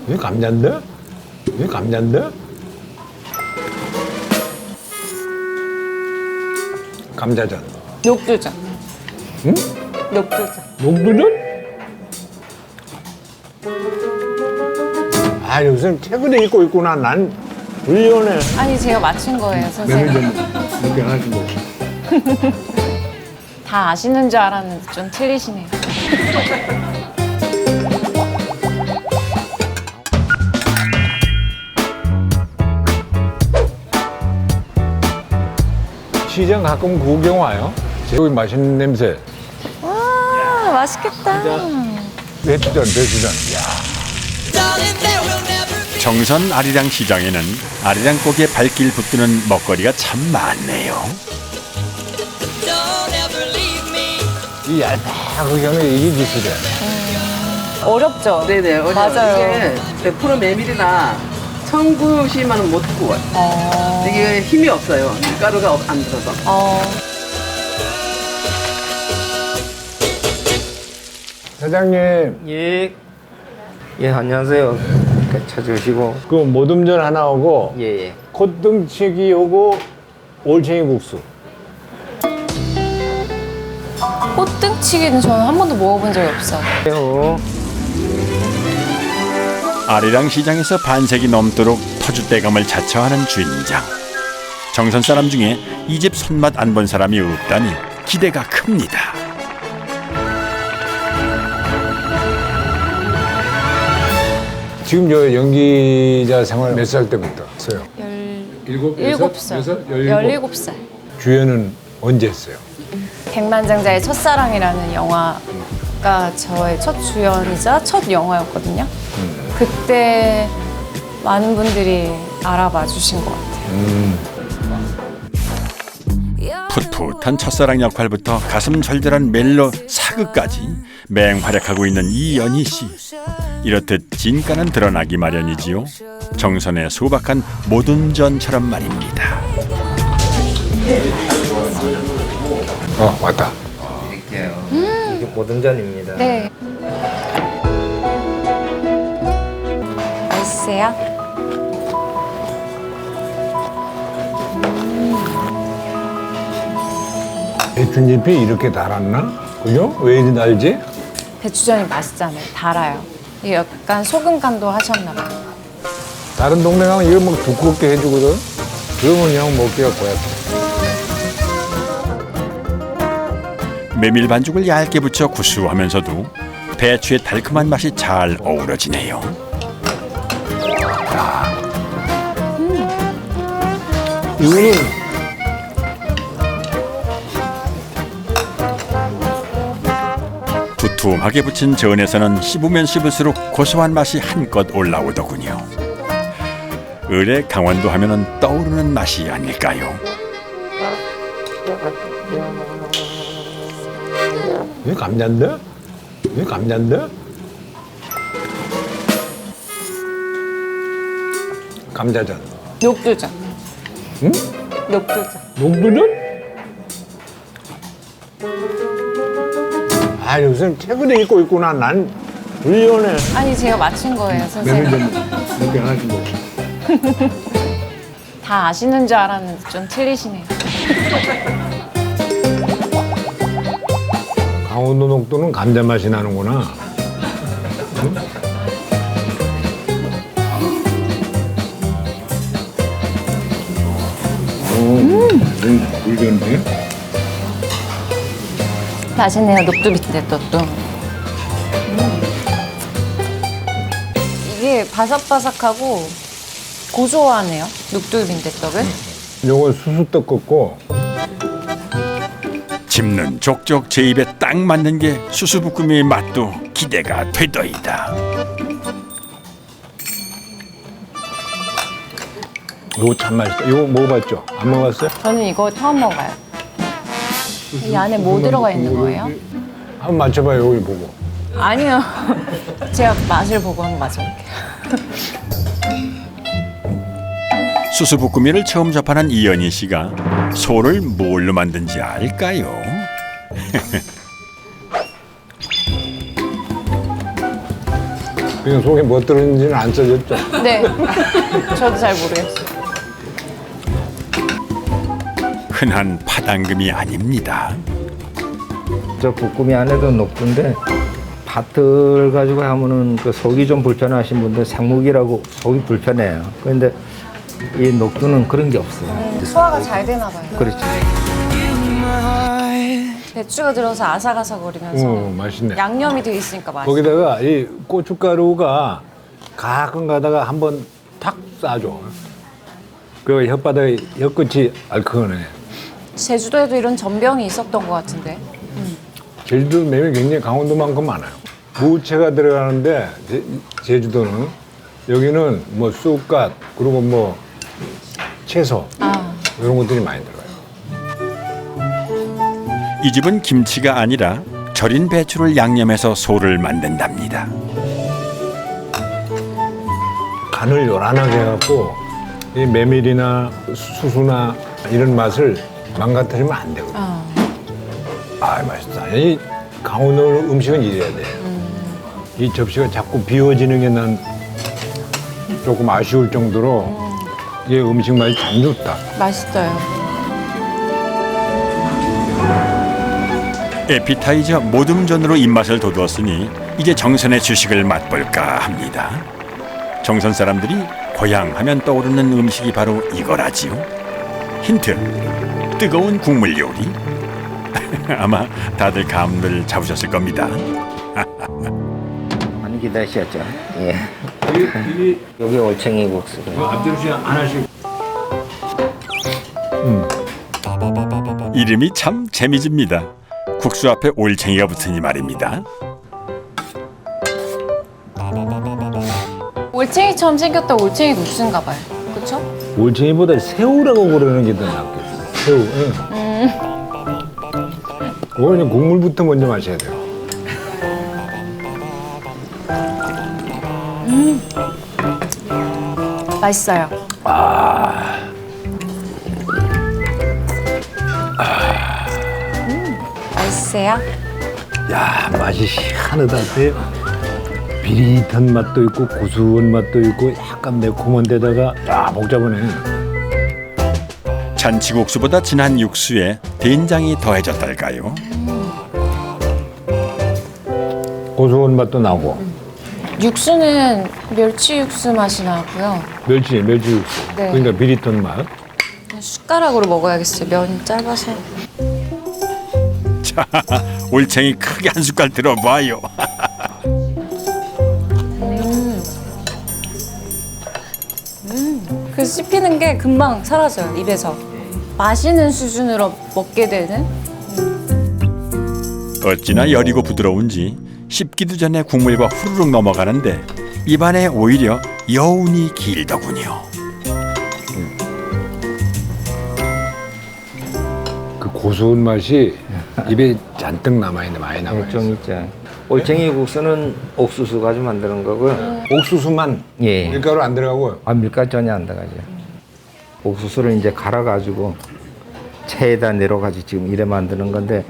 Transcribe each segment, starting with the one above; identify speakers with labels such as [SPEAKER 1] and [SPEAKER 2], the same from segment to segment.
[SPEAKER 1] 이게 감자인데? 이게 감자인데? 감자전.
[SPEAKER 2] 녹두전.
[SPEAKER 1] 응?
[SPEAKER 2] 녹두전.
[SPEAKER 1] 녹두전? 아, 요즘 최근에 입고 있구나. 난 불리오네.
[SPEAKER 2] 아니 제가 맞춘 거예요, 선생님.
[SPEAKER 1] 이렇게 하나씩 먹어.
[SPEAKER 2] 다 아시는 줄 알았는데 좀 틀리시네요.
[SPEAKER 1] 시장 가끔 구경 와요. 여기 맛있는 냄새.
[SPEAKER 2] 와, 맛있겠다.
[SPEAKER 1] 배추전, 배추전. 야.
[SPEAKER 3] 정선 아리랑 시장에는 아리랑 고기에 발길 붙드는 먹거리가 참 많네요.
[SPEAKER 1] 이 얇다하게 하면 이게 기술이야.
[SPEAKER 2] 어렵죠?
[SPEAKER 4] 네네, 어려워요.
[SPEAKER 2] 맞아요.
[SPEAKER 4] 이게 100% 메밀이나 청구시만은 못 구워요. 이게 힘이 없어요. 밀가루가 안 들어서.
[SPEAKER 1] 사장님,
[SPEAKER 5] 예. 예, 안녕하세요. 찾아주시고.
[SPEAKER 1] 그 모듬전 하나 오고
[SPEAKER 5] 예, 예.
[SPEAKER 1] 콧등치기 오고 올챙이 국수.
[SPEAKER 2] 꽃등치기는 저는 한 번도 먹어본 적이 없어요.
[SPEAKER 3] 아리랑 시장에서 반세기 넘도록 터줏대감을 자처하는 주인장. 정선 사람 중에 이 집 손맛 안 본 사람이 없다니 기대가 큽니다.
[SPEAKER 1] 지금 저 연기자 생활 몇 살 때부터 했어요?
[SPEAKER 2] 일곱 살. 17살.
[SPEAKER 1] 주연은 언제 했어요?
[SPEAKER 2] 백만장자의 첫사랑이라는 영화가 저의 첫 주연이자 첫 영화였거든요. 그때 많은 분들이 알아봐 주신 것 같아요.
[SPEAKER 3] 풋풋한 첫사랑 역할부터 가슴 절절한 멜로 사극까지 맹활약하고 있는 이연희 씨. 이렇듯 진가는 드러나기 마련이지요. 정선의 소박한 모둠전처럼 말입니다.
[SPEAKER 1] 왔다.
[SPEAKER 5] 드릴게요. 이게 모듬전입니다.
[SPEAKER 2] 네. 맛있어요?
[SPEAKER 1] 배춘잎이 이렇게 달았나? 그죠? 왜 이리 달지?
[SPEAKER 2] 배추전이 맛있잖아요. 달아요. 이게 약간 소금 간도 하셨나 봐요.
[SPEAKER 1] 다른 동네 가면 이거 막 두껍게 해주거든? 그러면 그냥 먹기가 고약해.
[SPEAKER 3] 메밀 반죽을 얇게 붙여 구수하면서도 배추의 달콤한 맛이 잘 어우러지네요.
[SPEAKER 1] 이거는
[SPEAKER 3] 두툼하게 붙인 전에서는 씹으면 씹을수록 고소한 맛이 한껏 올라오더군요. 을의 강원도 하면은 떠오르는 맛이 아닐까요?
[SPEAKER 1] 이게 감자인데? 이게 감자인데? 감자전.
[SPEAKER 2] 녹두전.
[SPEAKER 1] 응?
[SPEAKER 2] 녹두전.
[SPEAKER 1] 녹두전? 아, 요즘 최근에 입고 있구나. 난 불리오네.
[SPEAKER 2] 아니 제가 맞춘 거예요, 선생님.
[SPEAKER 1] 이렇게 하나씩 먹어.
[SPEAKER 2] 다 아시는 줄 알았는데 좀 틀리시네요.
[SPEAKER 1] 강원도 녹두는 감자 맛이 나는구나. 응? 물건데?
[SPEAKER 2] 맛있네요, 녹두빈대떡도. 이게 바삭바삭하고 고소하네요, 녹두빈대떡은.
[SPEAKER 1] 요거 수수떡 걷고
[SPEAKER 3] 집는 족족 제 입에 딱 맞는 게 수수부꾸미의 맛도 기대가 되더이다.
[SPEAKER 1] 요거 참 맛있다. 요거 먹어봤죠? 안 먹어봤어요?
[SPEAKER 2] 저는 이거 처음 먹어요. 이 안에 뭐 들어가 있는 거예요?
[SPEAKER 1] 한번 맞춰봐요, 여기 보고.
[SPEAKER 2] 아니요. 제가 맛을 보고 한번 맞춰볼게요.
[SPEAKER 3] 수수부꾸미를 처음 접하는 이연희 씨가 소를 뭘로 만든지 알까요?
[SPEAKER 1] 그냥 속에 뭐 들었는지는 안 써졌죠.
[SPEAKER 2] 네. 저도 잘 모르겠어요.
[SPEAKER 3] 흔한 파당금이 아닙니다.
[SPEAKER 5] 저 볶음이 안에도 녹두인데 밭을 가지고 하면은 그 속이 좀 불편하신 분들 생목이라고 속이 불편해요. 그런데 이 녹두는 그런 게 없어요.
[SPEAKER 2] 소화가 잘 되나 봐요.
[SPEAKER 5] 그렇죠.
[SPEAKER 2] 배추가 들어서 아삭아삭거리면서
[SPEAKER 1] 맛있네.
[SPEAKER 2] 양념이 돼 있으니까 맛있어요.
[SPEAKER 1] 거기다가 이 고춧가루가 가끔 가다가 한번 탁 싸줘. 그 혓바닥에 혀끝이 알큰해.
[SPEAKER 2] 제주도에도 이런 전병이 있었던 것 같은데.
[SPEAKER 1] 제주도 매일 굉장히 강원도만큼 많아요. 무채가 들어가는데 제주도는 여기는 뭐 쑥갓 그리고 뭐 채소 이런 것들이 많이 들어가요.
[SPEAKER 3] 이 집은 김치가 아니라 절인 배추를 양념해서 소를 만든답니다.
[SPEAKER 1] 간을 요란하게 해갖고 이 메밀이나 수수나 이런 맛을 망가뜨리면 안 되거든요. 아 맛있다. 이 강원도 음식은 이래야 돼. 이 접시가 자꾸 비워지는 게 난 조금 아쉬울 정도로 이 음식 맛이 참 좋다.
[SPEAKER 2] 맛있어요.
[SPEAKER 3] 에피타이저 모듬전으로 입맛을 돋웠으니 이제 정선의 주식을 맛볼까 합니다. 정선 사람들이 고향 하면 떠오르는 음식이 바로 이거라지요. 힌트, 뜨거운 국물 요리. 아마 다들 감을 잡으셨을 겁니다.
[SPEAKER 5] 많이 기다리셨죠? 예. 여기 올챙이 국수가.
[SPEAKER 1] 앞뒤로 안 하시고.
[SPEAKER 3] 이름이 참 재미집니다. 국수 앞에 올챙이가 붙으니 말입니다.
[SPEAKER 2] 올챙이처럼 생겼다 올챙이 국수인가 봐요. 그렇죠?
[SPEAKER 1] 올챙이보다 새우라고 그러는 게 더 낫겠어요. 새우. 응. 그거 그냥 국물부터 먼저 마셔야 돼요.
[SPEAKER 2] 맛있어요. 맛있어요?
[SPEAKER 1] 야 맛이 희한하다. 비릿한 맛도 있고 고소한 맛도 있고 약간 매콤한 데다가 야 복잡하네.
[SPEAKER 3] 잔치국수보다 진한 육수에 된장이 더해졌달까요?
[SPEAKER 1] 고소한 맛도 나고
[SPEAKER 2] 육수는 멸치 육수 맛이 나고요.
[SPEAKER 1] 멸치 육수.
[SPEAKER 2] 네.
[SPEAKER 1] 그러니까 비릿한 맛.
[SPEAKER 2] 숟가락으로 먹어야겠어요. 면이 짧아서.
[SPEAKER 3] 자, 올챙이 크게 한 숟갈 들어봐요.
[SPEAKER 2] 그 씹히는 게 금방 사라져요. 입에서. 마시는 수준으로 먹게 되는.
[SPEAKER 3] 어찌나 여리고 부드러운지 씹기도 전에 국물과 후루룩 넘어가는데 입안에 오히려 여운이 길더군요.
[SPEAKER 1] 그 고소한 맛이 입에 잔뜩 남아있네. 많이 남아있어.
[SPEAKER 5] 좀 있죠. 올챙이 국수는 옥수수 가지고 만드는 거고요.
[SPEAKER 1] 옥수수만
[SPEAKER 5] 예.
[SPEAKER 1] 밀가루 안 들어가고요.
[SPEAKER 5] 아, 밀가루 전혀 안 들어가죠. 옥수수를 이제 갈아가지고 체에다 내려가지고 지금 이래 만드는 건데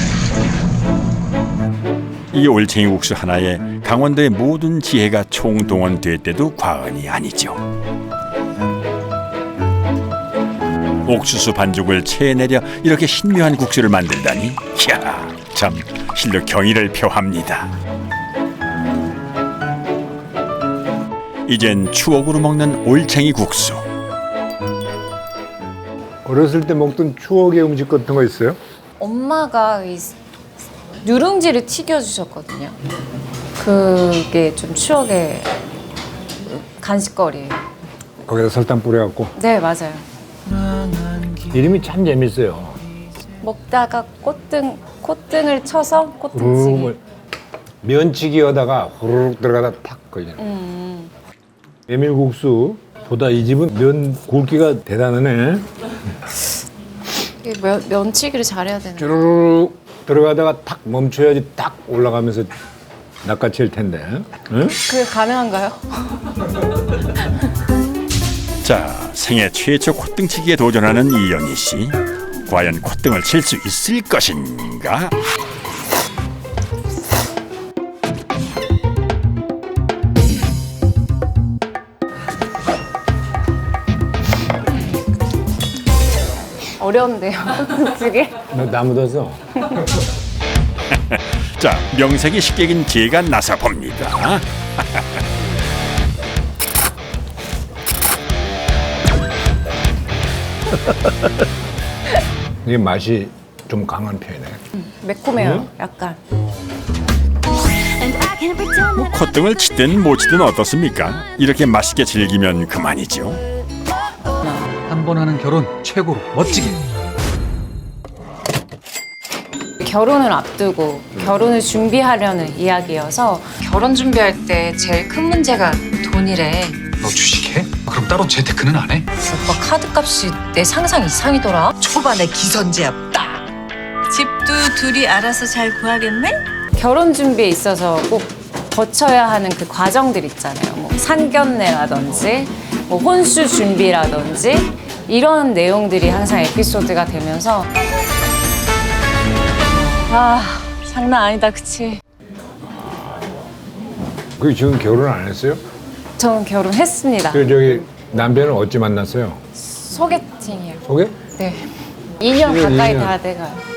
[SPEAKER 3] 이 올챙이 국수 하나에 강원도의 모든 지혜가 총동원됐대도 과언이 아니죠. 옥수수 반죽을 체에 내려 이렇게 신묘한 국수를 만든다니 이야 참 실로 경의를 표합니다. 이젠 추억으로 먹는 올챙이 국수.
[SPEAKER 1] 어렸을 때 먹던 추억의 음식 같은 거 있어요?
[SPEAKER 2] 엄마가 이 누룽지를 튀겨주셨거든요. 그게 좀 추억의 간식거리예요.
[SPEAKER 1] 거기다 설탕 뿌려갖고.
[SPEAKER 2] 네, 맞아요.
[SPEAKER 1] 이름이 참 재밌어요.
[SPEAKER 2] 먹다가 콧등을 쳐서 콧등치기.
[SPEAKER 1] 면치기 하다가 후루룩 들어가다 탁 걸리는. 메밀국수보다 이 집은 면 굵기가 대단하네.
[SPEAKER 2] 이게 면치기를 잘해야 되는.
[SPEAKER 1] 쭈루룩 들어가다가 탁 멈춰야지 딱 올라가면서 낚아챌 텐데. 응?
[SPEAKER 2] 그게 가능한가요?
[SPEAKER 3] 자, 생애 최초 콧등치기에 도전하는 이영희 씨. 과연 콧등을 칠 수 있을 것인가?
[SPEAKER 2] 어려운데요. 솔직히.
[SPEAKER 1] 나 묻었어.
[SPEAKER 3] 자, 명색이 식객인 제가 나서 봅니다.
[SPEAKER 1] 이게 맛이 좀 강한 편이네.
[SPEAKER 2] 매콤해요. 약간.
[SPEAKER 3] 뭐 콧등을 치든 못 치든 어떻습니까? 이렇게 맛있게 즐기면 그만이죠.
[SPEAKER 6] 한 번 하는 결혼 최고로 멋지게.
[SPEAKER 2] 결혼을 앞두고 결혼을 준비하려는 이야기여서 결혼 준비할 때 제일 큰 문제가 돈이래.
[SPEAKER 6] 너 주식해? 그럼 따로 재테크는 안 해?
[SPEAKER 2] 오빠 카드값이 내 상상 이상이더라.
[SPEAKER 7] 초반에 기선제압 딱. 집도 둘이 알아서 잘 구하겠네?
[SPEAKER 2] 결혼 준비에 있어서 꼭 거쳐야 하는 그 과정들 있잖아요. 뭐 상견례라든지 뭐 혼수 준비라든지 이런 내용들이 항상 에피소드가 되면서 아 장난 아니다 그치?
[SPEAKER 1] 그 지금 결혼 안 했어요?
[SPEAKER 2] 저는 결혼했습니다.
[SPEAKER 1] 그 저기 남편은 어찌 만났어요?
[SPEAKER 2] 소개팅이요.
[SPEAKER 1] 소개?
[SPEAKER 2] 네. 2년 가까이
[SPEAKER 1] 2년.
[SPEAKER 2] 다 돼가요.